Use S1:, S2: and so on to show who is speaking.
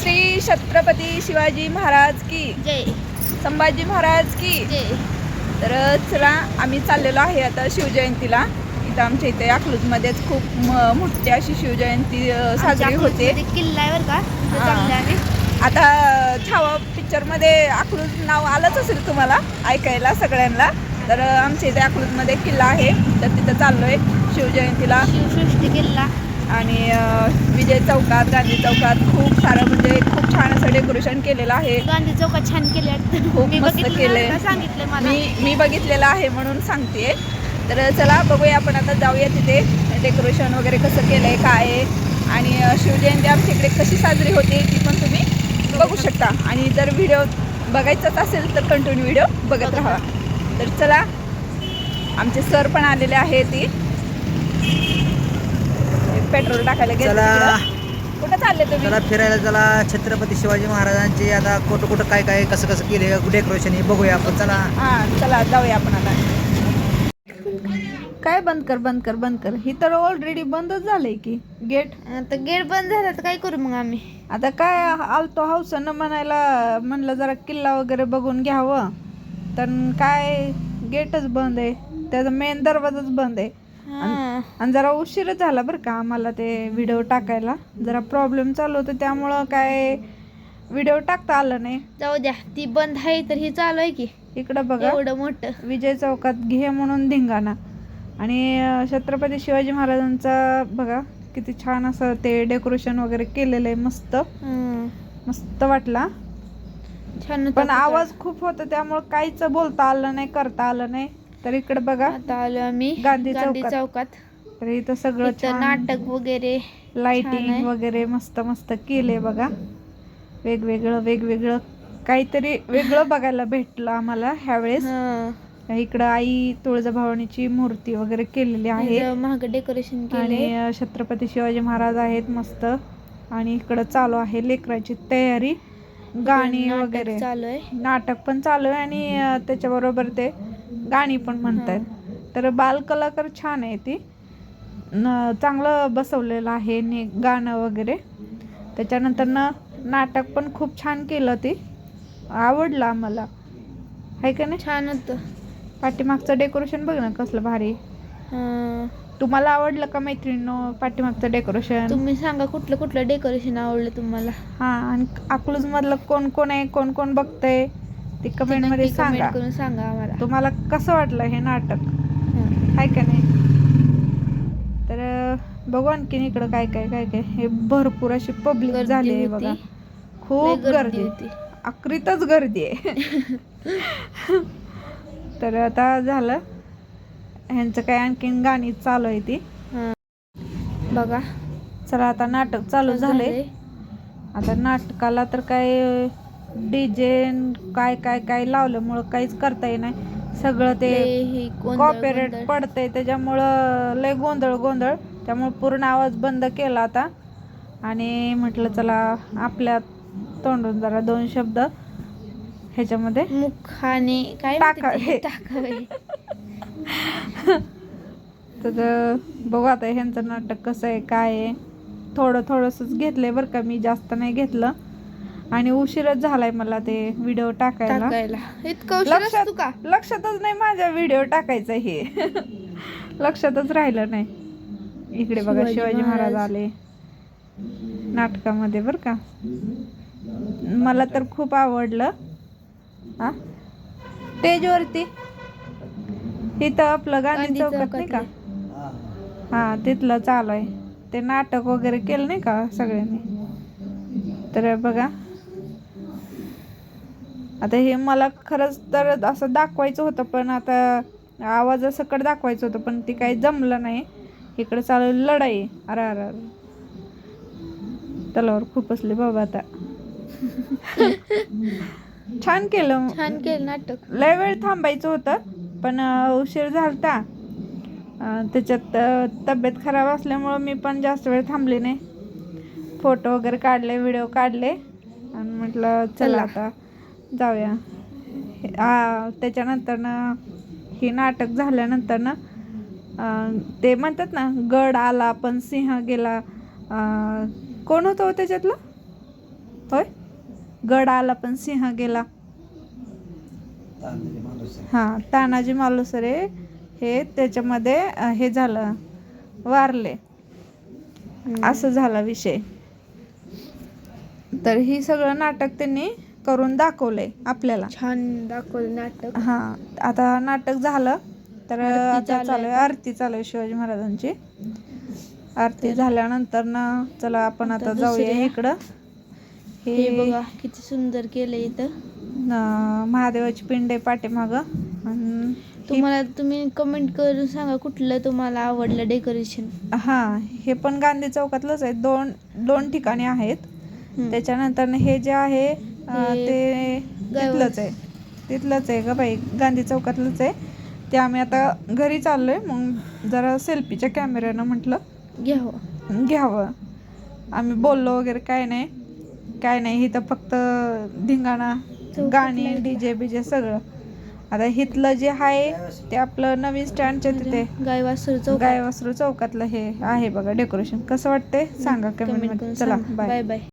S1: श्री छत्रपती शिवाजी महाराज की
S2: जय.
S1: संभाजी महाराज की
S2: जय.
S1: तर चला आम्ही चाललेलो आहे आता शिवजयंतीला. इथं आमच्या इथे अकलूजमध्येच खूप मोठी अशी शिवजयंती साजरी होते.
S2: किल्ला आहे बरं का, चांगला आहे.
S1: आता छावा पिक्चरमध्ये अकलूज नाव आलंच असेल तुम्हाला ऐकायला सगळ्यांना. तर आमच्या इथे अकलूजमध्ये किल्ला आहे, तर तिथं चाललोय शिवजयंतीला.
S2: शिवसृष्टी किल्ला
S1: आणि विजय चौकात, गांधी चौकात खूप सारं म्हणजे खूप छान असं डेकोरेशन केलेलं आहे.
S2: गांधी चौकात छान केले,
S1: खूप मस्त केले.
S2: सांगितलं मला,
S1: मी बघितलेलं आहे म्हणून सांगते. तर चला बघूया आपण आता जाऊया तिथे डेकोरेशन वगैरे कसं केलंय काय आहे. आणि शिवजयंती आमच्या इकडे कशी साजरी होते ती पण तुम्ही बघू शकता. आणि जर व्हिडिओ बघायचाच असेल तर कंटिन्यू व्हिडिओ बघत राहा. तर चला आमचे सर पण आलेले आहे. ती पेट्रोल टाकायला गेले. कुठं चालले तुम्ही?
S3: चला फिरायला, चला छत्रपती शिवाजी महाराजांचे आता कुठं काय काय कसं कसं केले डेकोरेशन हे बघूया आपण. चला
S1: चला जाऊया आपण आता. काय बंद कर ही तर ऑलरेडी बंदच झालंय की गेट.
S2: आता गेट बंद झाला तर काय करू मग आम्ही?
S1: आता काय आलतो हौसन म्हणायला, म्हणलं जरा किल्ला वगैरे बघून घ्यावं, तर काय गेटच बंद आहे. त्याचा मेन दरवाजाच बंद आहे. आणि जरा उशीरच झाला बरं का आम्हाला ते व्हिडिओ टाकायला. जरा प्रॉब्लेम चालू होतं त्यामुळं काय व्हिडिओ टाकता आलं नाही.
S2: जाऊ द्या, ती बंद आहे तर ही चालू आहे की.
S1: इकडं बघा
S2: एवढं मोठं
S1: विजय चौकात घे म्हणून धिंगाणा. आणि छत्रपती शिवाजी महाराजांचा बघा किती छान असं ते डेकोरेशन वगैरे केलेलं आहे. मस्त वाटला.
S2: छान.
S1: पण आवाज खूप होता त्यामुळे काहीच बोलता आलं नाही, करता आलं नाही. तर इकडे बघा
S2: आता आलो आम्ही
S1: गांधी
S2: चौकात.
S1: तर इथं सगळं छान
S2: नाटक वगैरे,
S1: लाइटिंग वगैरे मस्त केले बघा. वेगवेगळं काहीतरी वेगळं बघायला भेटलं आम्हाला ह्यावेळेस. इकडं आई तुळजाभवानीची मूर्ती वगैरे केलेली आहे.
S2: महाग डेकोरेशन
S1: आणि छत्रपती शिवाजी महाराज आहेत मस्त. आणि इकडं चालू आहे लेकराची तयारी, गाणी वगैरे
S2: चालू आहे,
S1: नाटक पण चालू आहे. आणि त्याच्याबरोबर ते गाणी पण म्हणतात. तर बालकलाकार छान आहे ती, चांगलं बसवलेलं आहे गाणं वगैरे. त्याच्यानंतर नाटक पण खूप छान केलं, ते आवडलं आम्हाला, आहे का नाही?
S2: छान होतं.
S1: पाठीमागचं डेकोरेशन बघ ना कसलं भारी. तुम्हाला आवडलं का मैत्रिणींनो पाठीमागचं डेकोरेशन?
S2: तुम्ही सांगा कुठलं डेकोरेशन आवडलं तुम्हाला.
S1: आणि अकलूज मधलं कोण कोण आहे, कोण बघतंय ते कमेंट मध्ये सांगा.
S2: आम्हाला
S1: तुम्हाला कसं वाटलं हे नाटक, आहे का नाही? तर बघू आणखीन इकडं काय हे भरपूर अशी पब्लिक झाली आहे बघा. खूप गर्दी होती, आखरीतच गर्दी आहे. तर आता झालं ह्यांचं काय आणखीन गाणी चालू आहे ती
S2: बघा.
S1: चला आता नाटक चालू झाले. आता नाटकाला तर काय डीजे काय लावल्यामुळं काहीच करता येत नाही. सगळं ते कॉपीराइट पडतंय त्याच्यामुळं लय गोंधळ. त्यामुळे पूर्ण आवाज बंद केला आता. आणि म्हटलं चला आपल्या तोंडून जरा 2 शब्द ह्याच्यामध्ये
S2: मुखाने काय
S1: टाकावे. तर बघू आता ह्यांचं नाटक कसं आहे काय आहे. थोडंसंच घेतलंय बरं का, मी जास्त नाही घेतलं. आणि उशीरच झालाय मला ते व्हिडिओ टाकायला. लक्षातच नाही माझ्या व्हिडिओ टाकायचा हे. लक्षातच राहिलं नाही. इकडे बघा शिवाजी महाराज आले नाटकामध्ये बरं का. मला तर खूप आवडलं. स्टेजवरती इथं आपलं गांधी चौकात नाही का, तिथलं चालू आहे ते नाटक वगैरे केलं नाही का सगळ्यांनी. तर बघा आता हे मला खरंच तर असं दाखवायचं होतं, पण आता आवाजासकट दाखवायचं होतं, पण ते काही जमलं नाही. इकडे चालू लढाई. अरे तलावर खूप असले बाबा. आता छान केलं
S2: नाटक.
S1: लय वेळ थांबायचं होतं पण उशीर झालता. त्याच्यात तब्येत खराब असल्यामुळं मी पण जास्त वेळ थांबले नाही. फोटो वगैरे काढले, व्हिडिओ काढले आणि म्हटलं चला आता जाऊया. त्याच्यानंतर हे नाटक झाल्यानंतर ते म्हणतात ना, गड आला पण सिंह गेला. कोण होतं त्याच्यातलं? होय गड आला पण सिंह गेला. हा तानाजी मालुसरे हे त्याच्यामध्ये हे झालं वारले असं झाला विषय. तर ही सगळं नाटक त्यांनी करून दाखवलंय आपल्याला.
S2: छान दाखवलं नाटक.
S1: हा आता नाटक झालं तर
S2: आरती
S1: आता
S2: चालू
S1: चालू आहे
S2: आहे.
S1: आरती चालू आहे शिवाजी महाराजांची. आरती झाल्यानंतर ना चला आपण आता
S2: आता
S1: जाऊया
S2: दुसऱ्या-
S1: इकडं.
S2: हे बघा किती सुंदर केलं इथं.
S1: महादेवाची पिंड आहे पाठीमागं. आणि
S2: तुम्ही कमेंट करून सांगा कुठलं तुम्हाला आवडलं डेकोरेशन.
S1: हा हे पण गांधी चौकातलंच आहे. दोन ठिकाणी आहेत. त्याच्यानंतर हे जे आहे ते तिथलंच आहे ग बाई, गांधी चौकातलंच आहे. ते आम्ही आता घरी चाललोय, मग जरा सेल्फीच्या कॅमेऱ्यानं म्हटलं घ्यावं. आम्ही बोललो वगैरे काय नाही इथं फक्त धिंगाणा, गाणी, डीजे बीजे सगळं. आता इथलं जे आहे ते आपलं नवीन स्टँडच्या तिथे
S2: गाय वासरू
S1: चौकातलं हे आहे बघा डेकोरेशन. कसं वाटतंय सांगा कमेंट मध्ये. चला बाय.
S2: बाय.